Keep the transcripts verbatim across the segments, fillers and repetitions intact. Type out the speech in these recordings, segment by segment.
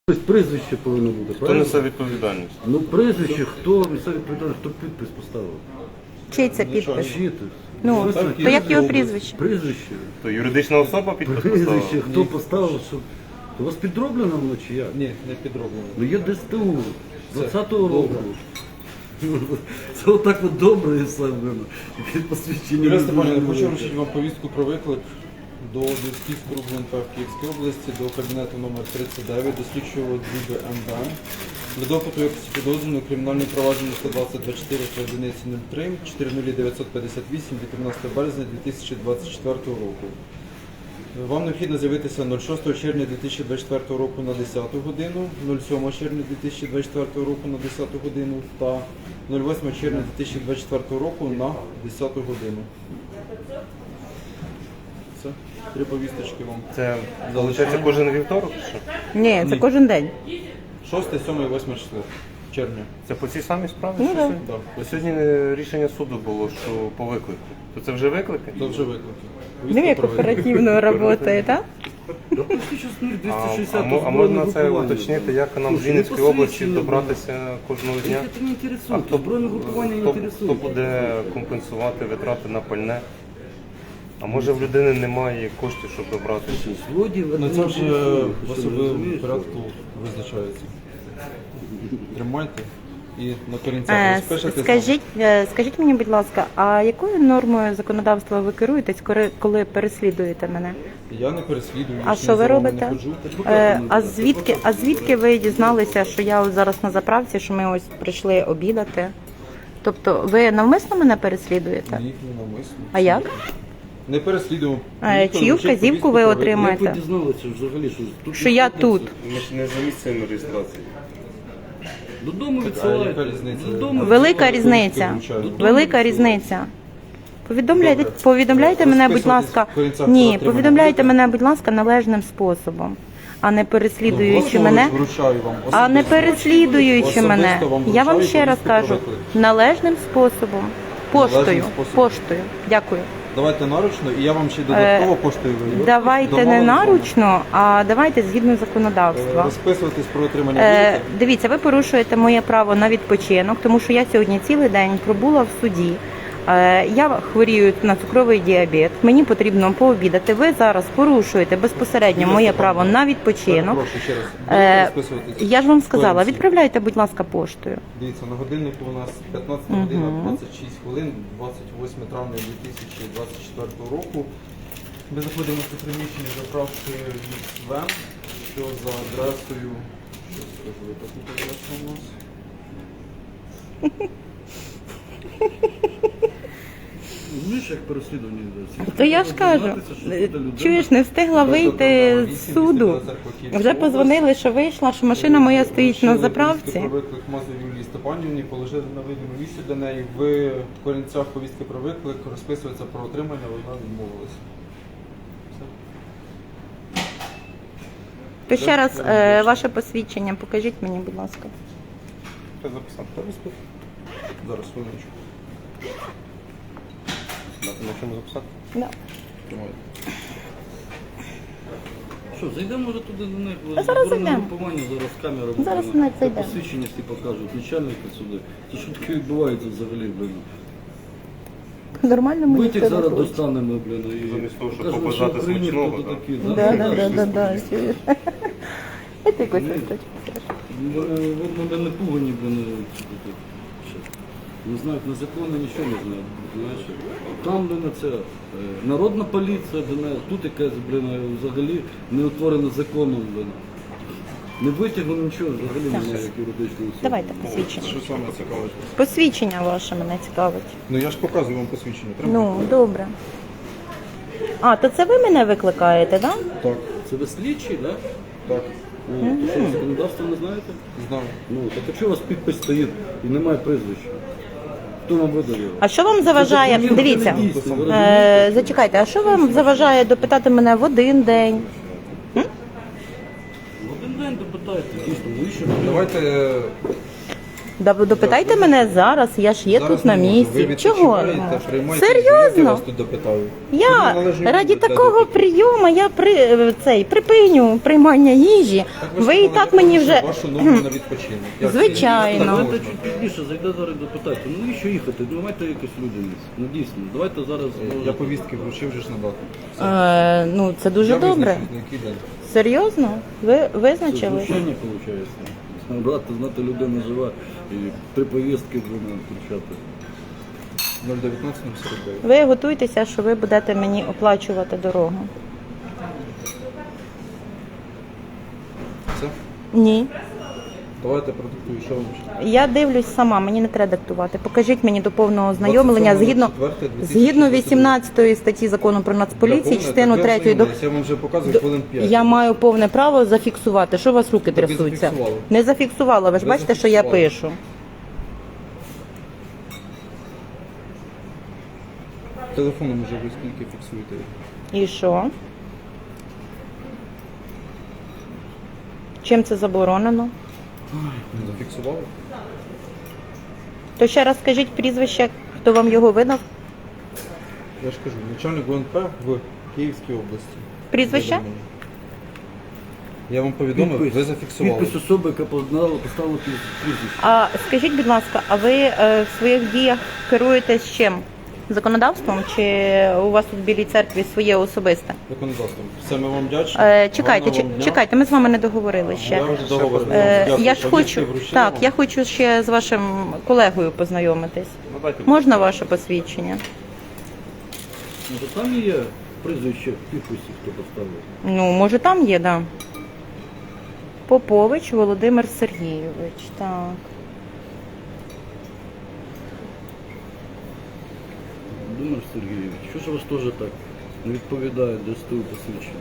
Тобто прізвище повинно бути, Хто правильно? несе відповідальність? Ну прізвище, хто несе відповідальність, хто підпис поставив? Чий це підпис? Чиї? Ну, Звісно, то як його прізвище? Прізвище. То юридична особа підпис Прізвище, поставила? хто поставив, що... У вас підроблено воно чи як? Ні, не підроблено. Ну є ДСТУ, двадцятого року. Це отак от добре і все, блин. І посвідчення. Юрій не Степанович, дуже хочу велике. вручити вам повістку про виклик до Десківського РУВНП в Київській області, до кабінету номер тридцять дев'ять, до слідчого ДІБ МВ. Для допиту якості підозрюваного кримінального провадження сто двадцять двадцять чотири по одиниці нуль три чотири нуль дев'ятсот п'ятдесят вісім від тринадцятого березня дві тисячі двадцять четвертого року. Вам необхідно з'явитися шостого червня дві тисячі двадцять четвертого року на десяту годину, сьомого червня дві тисячі двадцять четвертого року на десяту годину та восьмого червня дві тисячі двадцять четвертого року на десяту годину. Все. Три повісточки вам. Це, виходить, кожен вівторок? чи що? Ні, це кожен день. шосте, сьоме і восьме число червня. Це по цій самій справі? Ну, що да. сьогодні? Да. Бо сьогодні е, рішення суду було, що по виклику. То це вже виклики? Це вже виклики. Ну, як оперативно працює, так? Да почти щось нуль А, двісті а, шістдесят мо- а можна це уточнити, як нам в Слушай, Вінницькій ну, області посвідчення, добратися кожного дня? Це не А інтересує, хто, збройне групування не хто, хто інтересує. буде компенсувати витрати на пальне? А може в людини немає коштів, щоб добратися? Злодій, Ну це вже в особливому розумієш? порядку визначається. Тримайте і на корінцях Е, розпишете. Скажіть, е, скажіть мені, будь ласка, а якою нормою законодавства ви керуєтесь, коли- коли переслідуєте мене? Я не переслідую. А я ж що не ви за вами робите? не ходжу. Е, а звідки, а звідки ви дізналися, що я ось зараз на заправці, що ми ось прийшли обідати? Тобто ви навмисно мене переслідуєте? Ні, не навмисно. А як? Не переслідуємо. Е, Ніхто чию не вчить вказівку повістку ви про отримаєте? Як ви дізналися взагалі, що тут Що я тут? Ми ж не за місцем реєстрації. Додому А яка відсилаєте. різниця? Додому Велика Повістку різниця. вручають. Велика різниця. Повідомляйте, Добре. повідомляйте мене, будь Розписуйтесь ласка. в корінцях Ні, про отримання повідомляйте будете? мене, будь ласка, належним способом, а не переслідуючи Особисто мене. вручаю вам. А не Особисто. переслідуючи Особисто мене. вам Я вам вручаю ще раз повістку про кажу, виклик. належним способом. Поштою. Належним способом. Поштою. Дякую. Давайте наручно, і я вам ще додатково поштою виведу. Давайте не Домовились з вами? наручно, а давайте згідно Е, законодавства. Розписуватись про отримання Е, будете? дивіться, ви порушуєте моє право на відпочинок, тому що я сьогодні цілий день пробула в суді. Е, я хворію на цукровий діабет, мені потрібно пообідати. Ви зараз порушуєте безпосередньо моє право на відпочинок. Прошу ще раз. Е, Будете розписуватись? я ж вам сказала, Корінці. відправляйте, будь ласка, поштою. Дивіться, на годиннику у нас п'ятнадцята година двадцять шість хвилин, двадцять восьме травня дві тисячі двадцять четвертого року. Ми знаходимося у приміщенні заправки Вен, що за адресою, що скажу, яка тут адреса у нас? Знаєш, як переслідування йде? То я ж кажу, чуєш, не встигла вийти з суду. Вже позвонили, що вийшла, що машина моя стоїть на заправці. Про виклик Мазур Юлії Степанівні, положили на видному місці для неї. В корінцях повістки про виклик розписується про отримання, вона відмовилася. Все. То ще раз е, ваше посвідчення покажіть мені, будь ласка. Хто записав? Хто розписав? Зараз, хвилиночку. На чому записати? Да. Тримайте. Що, зайдемо може туди до них? Та зараз Збройне зайдемо. групування, зараз камера. Зараз буде. навіть зайдемо. Посвідчення всі покажуть, начальника сюди. Це що таке відбувається взагалі, блин? Нормально мені Витяг ніхто не зараз хоче. достанемо, блин, і Замість того, щоб покажемо, побажати що Україні, смачного, хто да. такі. Да, да, да, да, да, чуєш. Це якось Ні. листочок. Вот ми не пугані, блин, тут. Не знають, на закони нічого не знають, знаєш. Там, блин, це е, народна поліція, блин, тут якась, блин, взагалі не утворена законом, блин. Не витягнули нічого, взагалі немає як юридичного суду. Давайте посвідчення. Що саме цікавить? Посвідчення ваше мене цікавить. Ну я ж показую вам посвідчення. Ну, добре. А, то це ви мене викликаєте, так? Да? Так, Це ви слідчі, так? так, Ну, то що, законодавство не знаєте? знаю. Ну, так а чого у вас підпис стоїть і немає прізвища? Хто вам видав його? А що вам заважає? Це документ Дивіться, не дійсний, ви розумієте? е, зачекайте, а що вам заважає допитати мене в один день? В один день допитайте, дійсно, ви що? Давайте Да, ви допитайте мене зараз, я ж є Зараз тут на не можу. місці. Ви Чого? відпочиваєте, приймайте Серйозно? звільняйте, вас тут допитаю. Я Тут належні раді люди для такого допиту. прийому я при е, цей припиню приймання їжі. Так Ви ж і так мені вже вашу норму на відпочинок. Як це? Звичайно. Так Давайте можна. чуть пізніше зайде зараз допитати. Ну і що їхати? Ну майте якусь людяність. Ну дійсно, давайте зараз. Я повістки вручив вже ж надати. е, ну це дуже Я добре. визначу, на який день. Серйозно? Ви Це визначили? знущання виходить. Брати, знати, людина жива і три повістки будемо кричати. нуль дев'ятнадцять сорок дев'ять. Ви готуйтеся, що ви будете мені оплачувати дорогу. Це? Ні. Давайте продиктую, що вам ще. Я дивлюсь сама, мені не треба диктувати. Покажіть мені до повного ознайомлення згідно, двадцять сьомого четвертого згідно дві тисячі двадцять другого. вісімнадцятої статті закону про нацполіцію, Доповнити, частину так ви третьої до ознайомились, Я вам вже показую хвилин п'ять. я маю повне право зафіксувати. Що у вас руки Так ви трясуться? зафіксували. Не зафіксувала. Ви ж Ви бачите, що я зафіксували. пишу. Телефоном вже ви скільки фіксуєте? І що? Чим це заборонено? Не зафіксували? То ще раз скажіть прізвище, хто вам його видав? Я ж кажу, начальник ГУНП в Київській області. Прізвище? Повідомлення. Я вам повідомив, ви зафіксували. Підпис особи, яка поставила поставила прізвище. А скажіть, будь ласка, а ви е, в своїх діях керуєтесь чим? Законодавством чи у вас тут в Білій церкві своє особисте? Законодавством. Все, ми вам вдячні. Е, чекайте, Гарного чи- вам дня. чекайте, ми з вами не договорили ще. Я вже договорив. Е, Дякую. я ж Повістки хочу, вручили так, вам? я хочу ще з вашим колегою познайомитись. Ну, дайте Можна ваше посвідчення? Ну, то там є прізвище в підписі, хто поставив. Ну, може там є, да. Попович Володимир Сергійович. Так. Володимир Сергійович, що ж у вас теж так не відповідає до СТУ посвідчення?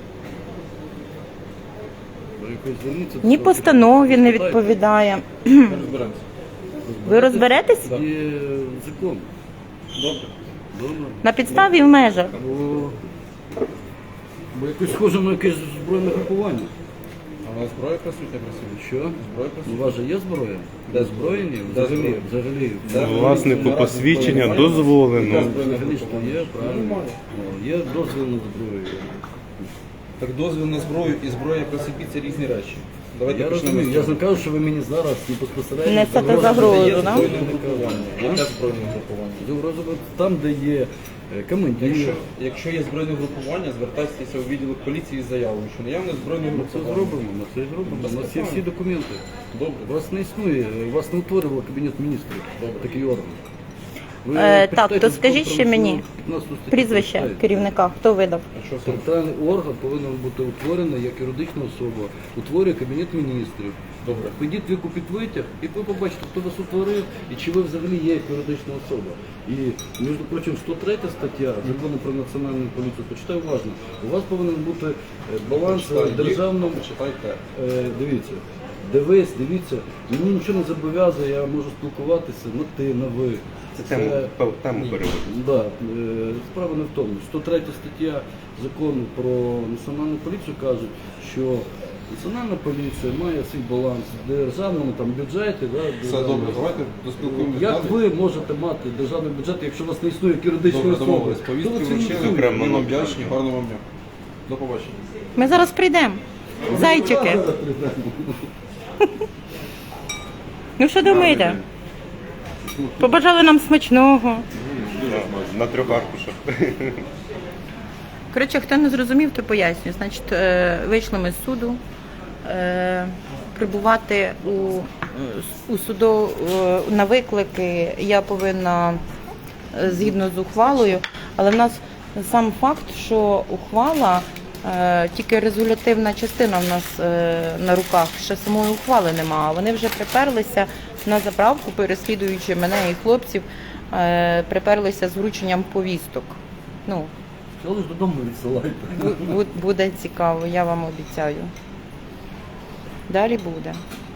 Ви якось зверніться до Ні свого постанові не керівника, відповідає. Ми розберемося. Ви розберетесь? Є закон. Добре. Добре. На підставі і в межах. Бо, бо якось схоже на якесь збройне групування. А у нас зброя присутня присутня? Що? Зброя У присутня? вас же є зброя? Де Озброєні? Де Взагалі, зброя? взагалі. Де? Власнику посвідчення дозволено. Взагалі що є, правильно. О, Є дозвіл на зброю. Так дозвіл на зброю і зброя при собі це різні речі. Давайте Я почнемо розумію, з я ж цього. не кажу, що ви мені зараз не безпосередньо Несете загрожуєте. загрозу, Є да? збройне групування. Яке збройне групування? Загрозу там, де є е, командир. Якщо, якщо є збройне групування, звертайтеся у відділок поліції з заявою, що наявне збройне Ми це групування. зробимо, ми це зробимо. У нас є всі документи. Добре. У вас не існує, у вас не утворював Кабінет міністрів. Такий орган. Ви Е, так, почитайте то скажіть закон ще про мені національну- п'ятнадцяту статтю Прізвище почитайте. керівника, хто видав? А що це? Територіальний орган повинен бути утворений як юридична особа, утворює Кабінет міністрів. Добре. Підіть викупіть витяг, і ви побачите, хто вас утворив і чи ви взагалі є як юридична особа. І, між прочим, сто третя стаття закону про національну поліцію, почитай уважно, у вас повинен бути е, баланс Почитайте. державного. Почитайте. Е, Дивіться, дивись, дивіться, мені нічого не зобов'язує, я можу спілкуватися на ти, на ви. Це тему, пев- тему переводимо. Да, е, справа не в тому. сто третя стаття закону про національну поліцію каже, що національна поліція має свій баланс в державному там, бюджеті. Да, Все державному. добре, давайте доспілкуємося Як далі. ви можете мати державний бюджет, якщо у вас не існує як юридичної Добре, особи? домовились. Хто Повістки це вручили, ініціює? окремо. ми вам вдячні, гарного вам дня. До побачення. Ми зараз прийдемо. Зайчики. Ну що думаєте? Побажали нам смачного. На трьох аркушах. Коротше, хто не зрозумів, то поясню. Значить, е, вийшли ми з суду. Е, Прибувати у, у суду е, на виклики я повинна е, згідно з ухвалою, але в нас сам факт, що ухвала, е, тільки резолютивна частина в нас е, на руках, ще самої ухвали нема. А вони вже приперлися на заправку, переслідуючи мене і хлопців, е, приперлися з врученням повісток. Ну, Але ж додому відсилайте. бу- бу- буде цікаво, я вам обіцяю. Далі буде.